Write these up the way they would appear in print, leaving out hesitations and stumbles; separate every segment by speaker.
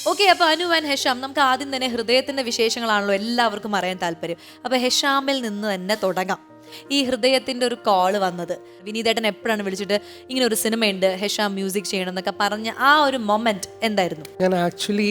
Speaker 1: Okay, അപ്പൊ Anu and Hesham, നമുക്ക് ആദ്യം തന്നെ ഹൃദയത്തിന്റെ വിശേഷങ്ങളാണല്ലോ എല്ലാവർക്കും അറിയാൻ താല്പര്യം. അപ്പൊ ഹെഷാമിൽ നിന്ന് തന്നെ തുടങ്ങാം. ഈ ഹൃദയത്തിന്റെ ഒരു കോള് വന്നത് വിനീതേട്ടൻ എപ്പോഴാണ് വിളിച്ചിട്ട് ഇങ്ങനെ ഒരു സിനിമയുണ്ട്, ഹെഷാം മ്യൂസിക് ചെയ്യണം എന്നൊക്കെ പറഞ്ഞ ആ ഒരു മൊമെന്റ് എന്തായിരുന്നു?
Speaker 2: ഞാൻ ആക്ച്വലി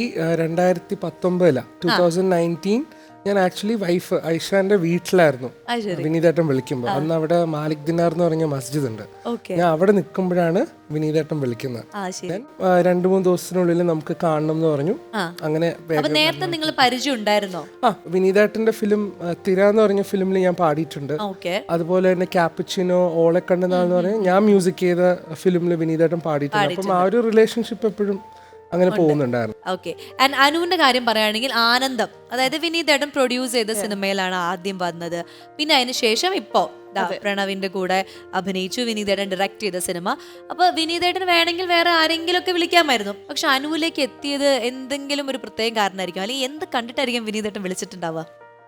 Speaker 2: 2019 ഞാൻ ആക്ച്വലി വൈഫ് ഐഷാന്റെ വീട്ടിലായിരുന്നു വിനീതേട്ടൻ വിളിക്കുമ്പോൾ. അന്ന് അവിടെ മാലിക് ദിനാർ എന്ന് പറഞ്ഞ മസ്ജിദ് ഉണ്ട്. ഞാൻ അവിടെ നിൽക്കുമ്പോഴാണ് വിനീതേട്ടൻ വിളിക്കുന്നത്. ഞാൻ 2-3 ദിവസത്തിനുള്ളിൽ നമുക്ക് കാണണം എന്ന് പറഞ്ഞു. അങ്ങനെ
Speaker 1: നേരത്തെ നിങ്ങൾ പരിചയം ഉണ്ടായിരുന്നോ?
Speaker 2: വിനീതേട്ടന്റെ ഫിലിം തിര എന്ന് പറഞ്ഞ ഫിലിമിൽ ഞാൻ പാടിയിട്ടുണ്ട്. അതുപോലെ തന്നെ ക്യാപ്പച്ചിനോ, ഓളെ കണ്ടെന്നാന്ന് പറഞ്ഞ ഞാൻ മ്യൂസിക് ചെയ്ത ഫിലിമിൽ വിനീതേട്ടൻ പാടിയിട്ടുണ്ട്. അപ്പം ആ ഒരു റിലേഷൻഷിപ്പ് എപ്പോഴും അങ്ങനെ പോകുന്നുണ്ടായിരുന്നു.
Speaker 1: ഓക്കെ, ആൻഡ് അനുവിന്റെ കാര്യം പറയുകയാണെങ്കിൽ ആനന്ദം, അതായത് വിനീതേട്ടൻ പ്രൊഡ്യൂസ് ചെയ്ത സിനിമയിലാണ് ആദ്യം വന്നത്. പിന്നെ അതിന് ശേഷം ഇപ്പോ പ്രണവിന്റെ കൂടെ അഭിനയിച്ചു, വിനീതേട്ടൻ ഡയറക്ട് ചെയ്ത സിനിമ. അപ്പൊ വിനീതേട്ടൻ വേണമെങ്കിൽ വേറെ ആരെങ്കിലും ഒക്കെ വിളിക്കാമായിരുന്നു. പക്ഷെ അനുവിലേക്ക് എത്തിയത് എന്തെങ്കിലും ഒരു പ്രത്യേക കാരണമായിരിക്കും, അല്ലെങ്കിൽ എന്ത് കണ്ടിട്ടായിരിക്കും വിനീതേട്ടൻ വിളിച്ചിട്ടുണ്ടാവുക?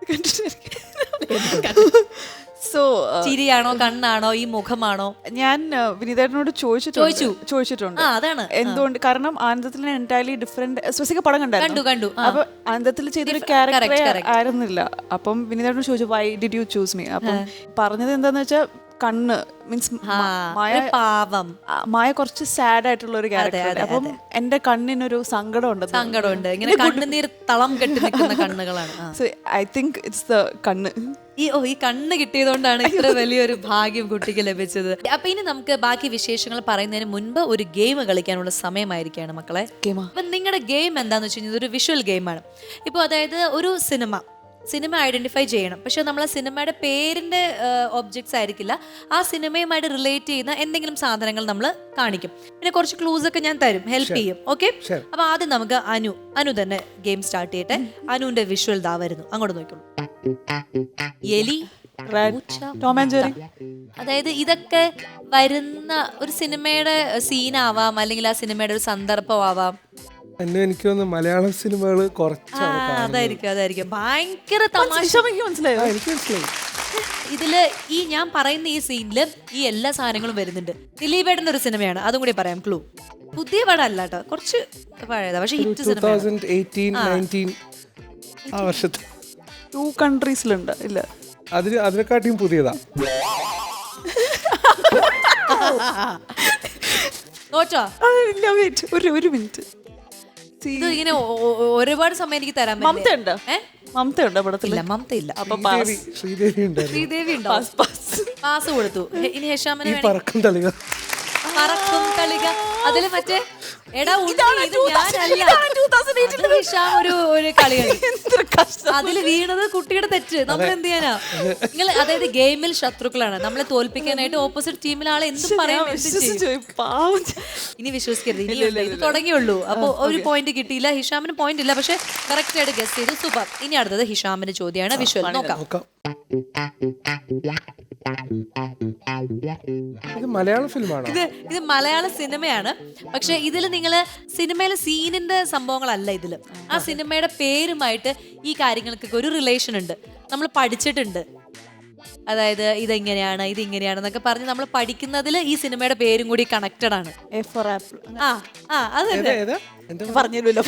Speaker 3: സോ
Speaker 1: ചിരിയാണോ, കണ്ണാണോ, ഈ മുഖമാണോ?
Speaker 3: ഞാൻ വിനീതേട്ടനോട് ചോദിച്ചിട്ടുണ്ട്
Speaker 1: അതാണ്
Speaker 3: എന്തുകൊണ്ട്. കാരണം ആനന്ദത്തിൽ എൻറ്റയർലി ഡിഫറെന്റ് സ്പെസിഫിക് പടം
Speaker 1: കണ്ടു.
Speaker 3: അപ്പൊ ആനന്ദത്തിൽ ചെയ്തൊരു ക്യാരക്ടർ ആയിരുന്നില്ല. അപ്പം വിനീതേട്ടനോട് ചോദിച്ചു why did you choose me. അപ്പം പറഞ്ഞത് എന്താന്ന് വെച്ചാൽ കണ്ണ് മീൻസ് മായ കുറച്ച് സാഡ് ആയിട്ടുള്ള ഒരു ക്യാരക്ടർ. അപ്പം എന്റെ കണ്ണിനൊരു
Speaker 1: സങ്കടമുണ്ട്, ഇങ്ങനെ കണ്ണുനീർ തളം കെട്ടി നിൽക്കുന്ന കണ്ണുകളാണ്.
Speaker 3: So I think it's the കണ്ണ്.
Speaker 1: ഈ കണ്ണ് കിട്ടിയതുകൊണ്ടാണ് ഇത്ര വലിയൊരു ഭാഗ്യം കുട്ടിക്ക് ലഭിച്ചത്. അപ്പൊ ഇനി നമുക്ക് ബാക്കി വിശേഷങ്ങൾ പറയുന്നതിന് മുൻപ് ഒരു ഗെയിം കളിക്കാനുള്ള സമയമായിരിക്കാണ് മക്കളെ. അപ്പൊ നിങ്ങളുടെ ഗെയിം എന്താന്ന് വെച്ച് കഴിഞ്ഞാൽ ഒരു വിഷ്വൽ ഗെയിമാണ്. ഇപ്പോൾ അതായത് ഒരു സിനിമ ഐഡന്റിഫൈ ചെയ്യണം. പക്ഷെ നമ്മൾ ആ സിനിമയുടെ പേരിന്റെ ഒബ്ജക്ട്സ് ആയിരിക്കില്ല, ആ സിനിമയുമായിട്ട് റിലേറ്റ് ചെയ്യുന്ന എന്തെങ്കിലും സാധനങ്ങൾ നമ്മൾ കാണിക്കും. പിന്നെ കുറച്ച് ക്ലൂസ് ഒക്കെ ഞാൻ തരും, ഹെൽപ്പ് ചെയ്യും. ഓക്കെ, അപ്പൊ ആദ്യം നമുക്ക് അനു തന്നെ ഗെയിം സ്റ്റാർട്ട് ചെയ്യട്ടെ. അനുവിന്റെ വിഷ്വൽ ദാ വരുന്നു, അങ്ങോട്ട് നോക്കിക്കോളൂ. എലി,
Speaker 3: ടോം ആൻഡ് ജെറി.
Speaker 1: അതായത് ഇതൊക്കെ വരുന്ന ഒരു സിനിമയുടെ സീനാവാം, അല്ലെങ്കിൽ ആ സിനിമയുടെ ഒരു സന്ദർഭമാവാം.
Speaker 2: എനിക്ക് തോന്നുന്നു മലയാളം സിനിമകൾ
Speaker 1: അതായിരിക്കും ഭയങ്കര തമാശ.
Speaker 3: മനസ്സിലായോ?
Speaker 2: എനിക്ക് മനസ്സിലായി.
Speaker 1: ഇതില് ഈ ഞാൻ പറയുന്ന ഈ സീനില് ഈ എല്ലാ സാധനങ്ങളും വരുന്നുണ്ട്. ദിലീപേട്ടൻ്റെ ഒരു സിനിമയാണ്, അതും കൂടി പറയാം. ക്ലൂ പുതിയ പടമല്ല കേട്ടോ, കുറച്ച് പഴയതാ, പക്ഷെ ഹിറ്റ് സിനിമ.
Speaker 2: 2018-19 ആ വർഷത്തെ
Speaker 3: 2 കൺട്രീസിലുണ്ട്. ഇല്ല,
Speaker 2: അതിനെക്കാട്ടിയും പുതിയതാ.
Speaker 1: നോച്ചോ?
Speaker 3: ഇല്ല, വെയിറ്റ് ഒരു മിനിറ്റ്.
Speaker 1: ഇത് ഇങ്ങനെ ഒരുപാട് സമയം എനിക്ക് തരാൻ.
Speaker 3: മമത ഉണ്ടോ പടത്തില്ല?
Speaker 1: മമത ഇല്ല.
Speaker 3: അപ്പൊ
Speaker 2: ശ്രീദേവി
Speaker 1: ഉണ്ടോ? പാസ് കൊടുത്തു. ഇനി ഹെഷാമിന്
Speaker 2: പറക്കും തളിക.
Speaker 1: അതില് മറ്റേ എടാ ഒരു കളിയാണ്. അതില് വീണത് കുട്ടിയുടെ തെറ്റ്, നമ്മൾ എന്ത് ചെയ്യാനാ? നിങ്ങൾ അതായത് ഗെയിമിൽ ശത്രുക്കളാണ്. നമ്മളെ തോൽപ്പിക്കാനായിട്ട് ഓപ്പോസിറ്റ് ടീമിലെ ആളെ എന്തും പറയാൻ. ഇനി വിശ്വസിക്കരുത്, ഇനി ഇത് തുടങ്ങിയുള്ളൂ. അപ്പൊ ഒരു പോയിന്റ് കിട്ടിയില്ല, ഹിഷാമിന് പോയിന്റ് ഇല്ല, പക്ഷെ കറക്റ്റ് ആയിട്ട് ഗസ് ചെയ്തു. സൂപ്പർ. ഇനി അടുത്തത് ഹിഷാമിന്റെ ചോദ്യമാണ്. വിഷ്വൽ നോക്കാം.
Speaker 2: ഇത് മലയാളം ഫിലിമാണ്.
Speaker 1: ഇത് മലയാള സിനിമയാണ്. പക്ഷെ ഇതില് നിങ്ങള് സിനിമയിലെ സീനിന്റെ സംഭവങ്ങളല്ല ഇതില്. ആ സിനിമയുടെ പേരുമായിട്ട് ഈ കാര്യങ്ങൾക്കൊക്കെ ഒരു റിലേഷൻ ഉണ്ട്, നമ്മൾ പഠിച്ചിട്ടുണ്ട്. അതായത് ഇതെങ്ങനെയാണ്, ഇതിങ്ങനെയാണെന്നൊക്കെ പറഞ്ഞ് നമ്മൾ പഠിക്കുന്നതിൽ ഈ സിനിമയുടെ പേരും കൂടി കണക്റ്റഡ് ആണ്.
Speaker 3: A for apple.
Speaker 1: പറഞ്ഞല്ലോ.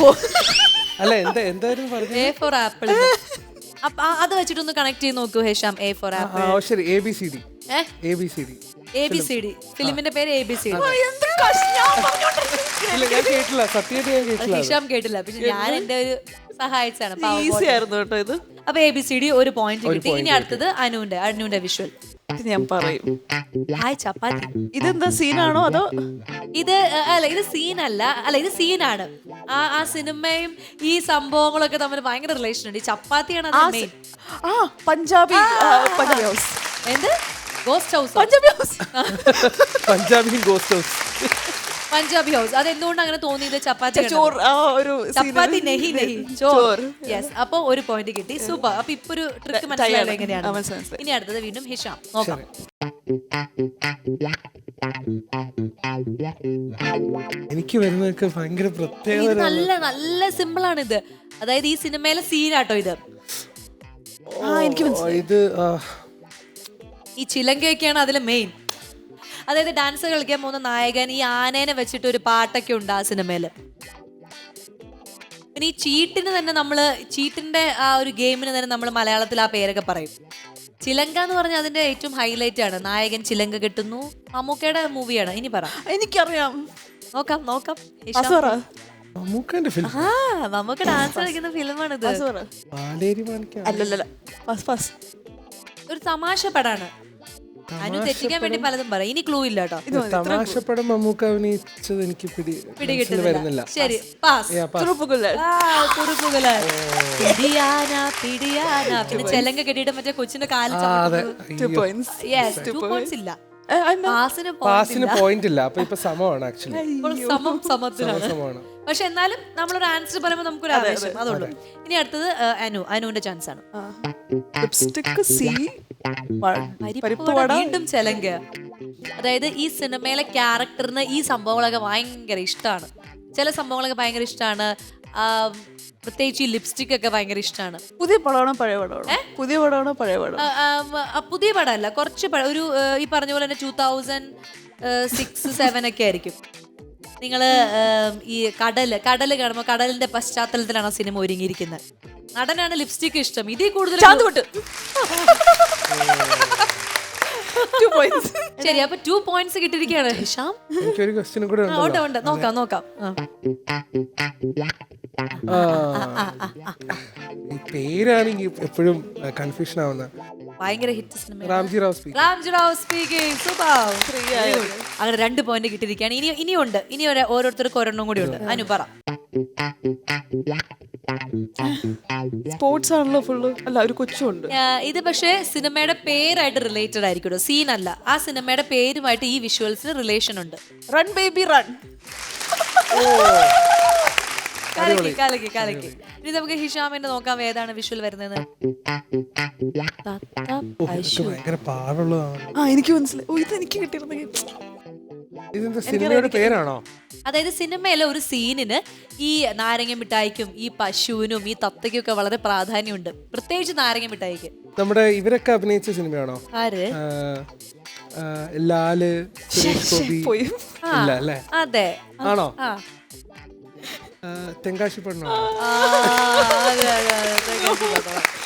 Speaker 1: A for apple. അത് വെച്ചിട്ടൊന്ന് കണക്ട് ചെയ്ത് നോക്കൂ Hesham. A for apple.
Speaker 2: ABCD.
Speaker 1: ഫിലിമിന്റെ പേര് ABCD. ഹിഷാം കേട്ടില്ല, പക്ഷെ ഞാൻ എന്റെ ഒരു സഹായിച്ചാണ്.
Speaker 3: ഇത്
Speaker 1: അപ്പൊ ABCD ഒരു പോയിന്റ് കിട്ടി. ഇനി അടുത്തത് അനുവിന്റെ വിഷ്വൽ
Speaker 3: ഞാൻ പറയും.
Speaker 1: ഹായ് ചപ്പാത്തി.
Speaker 3: ഇതെന്താ സീനാണോ അതോ?
Speaker 1: ഇത് സീനല്ല, ഇത് സീനാണ്. ആ സിനിമയും ഈ സംഭവങ്ങളൊക്കെ തമ്മിൽ ഭയങ്കര റിലേഷൻ ഉണ്ട്. ഈ ചപ്പാത്തിയാണ് മെയിൻ.
Speaker 3: പഞ്ചാബി ഹൗസ്.
Speaker 1: എന്ത്? Ghost house. പഞ്ചാബി ഹൗസ്. അത് എന്തുകൊണ്ട് അങ്ങനെ തോന്നിയത്? ചപ്പാത്തി നെഹി ചോർ. യെസ്, അപ്പൊ ഒരു പോയിന്റ് കിട്ടി. സൂപ്പർ. അപ്പൊ ഇപ്പൊ ഒരു ട്രിക്ക് മനസ്സിലായത് എങ്ങനെയാണ്? ഇനി അടുത്തത് വീണ്ടും ഹിഷാം നോക്കാം.
Speaker 2: എനിക്ക് വരുന്നതൊക്കെ ഭയങ്കര പ്രത്യേകത.
Speaker 1: നല്ല സിമ്പിൾ ആണ് ഇത്. അതായത് ഈ സിനിമയിലെ സീനാട്ടോ ഇത്.
Speaker 3: എനിക്ക്
Speaker 2: ഇത്
Speaker 1: ഈ ചിലങ്കയൊക്കെയാണ് അതിലെ മെയിൻ. അതായത് ഡാൻസ് കളിക്കാൻ പോകുന്ന നായകൻ ഈ ആനേനെ വെച്ചിട്ട് ഒരു പാട്ടൊക്കെ ഉണ്ട് ആ സിനിമയില്. പിന്നെ ഈ ചീട്ടിന് തന്നെ നമ്മള് ചീട്ടിന്റെ ആ ഒരു ഗെയിമിന് തന്നെ നമ്മൾ മലയാളത്തിൽ ആ പേരൊക്കെ പറയും. ചിലങ്ക എന്ന് പറഞ്ഞാൽ അതിന്റെ ഏറ്റവും ഹൈലൈറ്റ് ആണ്. നായകൻ ചിലങ്ക കെട്ടുന്നു. മമ്മൂക്കയുടെ മൂവിയാണ്. ഇനി പറ.
Speaker 3: എനിക്കറിയാം.
Speaker 1: നോക്കാം നോക്കാം.
Speaker 2: മമ്മൂക്കന്റെ ഫിലിം.
Speaker 1: ആ മമ്മൂക്ക ഡാൻസ് കളിക്കുന്ന ഫിലിമാണിത്.
Speaker 2: പാലേരി മാണിക്കം.
Speaker 3: അല്ലല്ല,
Speaker 1: ഒരു തമാശ പടാണ്. അനു തെറ്റിക്കാൻ വേണ്ടി പലതും പറയും. ഇനി ക്ലൂ ഇല്ല കേട്ടോ.
Speaker 2: തമാശപ്പടം മമ്മൂക്ക അഭിനയിച്ചത് എനിക്ക് വരുന്നില്ല.
Speaker 1: ശരി, പാസ്. പിന്നെ ചെലങ്ക കെട്ടിയിട്ട് മറ്റേ കൊച്ചിന്റെ കാലിൽ ഇല്ല.
Speaker 2: പാസിന് പോയിന്റ് ഇല്ല. അപ്പൊ ഇപ്പൊ സമമാണ് ആക്ച്വലി.
Speaker 1: സമത്തിലാണ്. പക്ഷെ എന്നാലും നമ്മളൊരു ആൻസർ പറയുമ്പോൾ നമുക്കൊരു ആവേശം അതുള്ളൂ. ഇനി അടുത്തത് അനുവിന്റെ ചാൻസ് ആണ്. വീണ്ടും ചെലങ്ക. അതായത് ഈ സിനിമയിലെ ക്യാരക്ടറിന് ഈ സംഭവങ്ങളൊക്കെ ഭയങ്കര ഇഷ്ടമാണ്. ചില സംഭവങ്ങളൊക്കെ ഭയങ്കര ഇഷ്ടമാണ്. പ്രത്യേകിച്ച് ഈ ലിപ്സ്റ്റിക് ഒക്കെ ഭയങ്കര ഇഷ്ടമാണ്.
Speaker 3: പുതിയ പടമാണോ പഴയ പടമാണോ? പുതിയ പടമാണോ പഴയ പടം?
Speaker 1: പുതിയ പടമല്ല, കുറച്ച് ഒരു ഈ പറഞ്ഞ പോലെ തന്നെ 2006-07 ഒക്കെ ആയിരിക്കും. നിങ്ങള് ഈ കടല് കാണുമ്പോൾ കടലിന്റെ പശ്ചാത്തലത്തിലാണ് ആ സിനിമ ഒരുങ്ങിയിരിക്കുന്നത്. നടനാണ് ലിപ്സ്റ്റിക് ഇഷ്ടം. ഇതിൽ കൂടുതൽ ശരി, അപ്പൊ 2 points കിട്ടിയിരിക്കുകയാണ് ഹിഷാം.
Speaker 2: എനിക്കൊരു ക്വസ്റ്റ്യൻ കൂടെ
Speaker 1: ഉണ്ട്. നോക്കാം.
Speaker 2: ഈ പേരാണെങ്കിൽ എപ്പോഴും കൺഫ്യൂഷൻ ആവുന്ന
Speaker 1: ഭയങ്കര hit cinema
Speaker 2: Ramji Rao speaking.
Speaker 1: അങ്ങനെ 2 പോയിന്റ് കിട്ടിയിരിക്കുകയാണ്. ഇനിയുണ്ട്. ഇനി ഓരോരുത്തർക്ക് ഒരെണ്ണം കൂടി ഉണ്ട്. അനു പറ.
Speaker 3: സ്പോർട്സ് ആണല്ലോ ഫുള്ള്. അല്ല, ഒരു കൊച്ചുണ്ട്.
Speaker 1: ഇത് പക്ഷേ സിനിമയുടെ പേരായിട്ട് റിലേറ്റഡ് ആയിരിക്കും. സീൻ അല്ല, ആ സിനിമയുടെ പേരുമായിട്ട് ഈ വിഷ്വൽസിന് റിലേഷൻ ഉണ്ട്.
Speaker 3: Run baby run.
Speaker 1: കലക്കി. ഇനി നമുക്ക് ഹിഷാമിന്റെ നോക്കാം ഏതാണ് വിഷ്വൽ വരുന്നത്.
Speaker 3: എനിക്ക് മനസ്സിലായി. ഇത് എനിക്ക് കിട്ടിയിരുന്നെങ്കിൽ.
Speaker 2: സിനിമയുടെ പേരാണോ?
Speaker 1: അതായത് സിനിമയിലെ ഒരു സീനിന് ഈ നാരങ്ങ മിഠായിക്കും ഈ പശുവിനും ഈ തത്തയ്ക്കും ഒക്കെ വളരെ പ്രാധാന്യമുണ്ട്. പ്രത്യേകിച്ച് നാരങ്ങ മിഠായിക്ക്.
Speaker 2: നമ്മുടെ ഇവരൊക്കെ അഭിനയിച്ച സിനിമയാണോ?
Speaker 1: ആര്?
Speaker 2: ലാല്,
Speaker 3: പോയി.
Speaker 2: ഇല്ല അല്ലേ?
Speaker 1: അതെ.
Speaker 2: ആണോ? തെങ്കാശി പെണ്ണോ?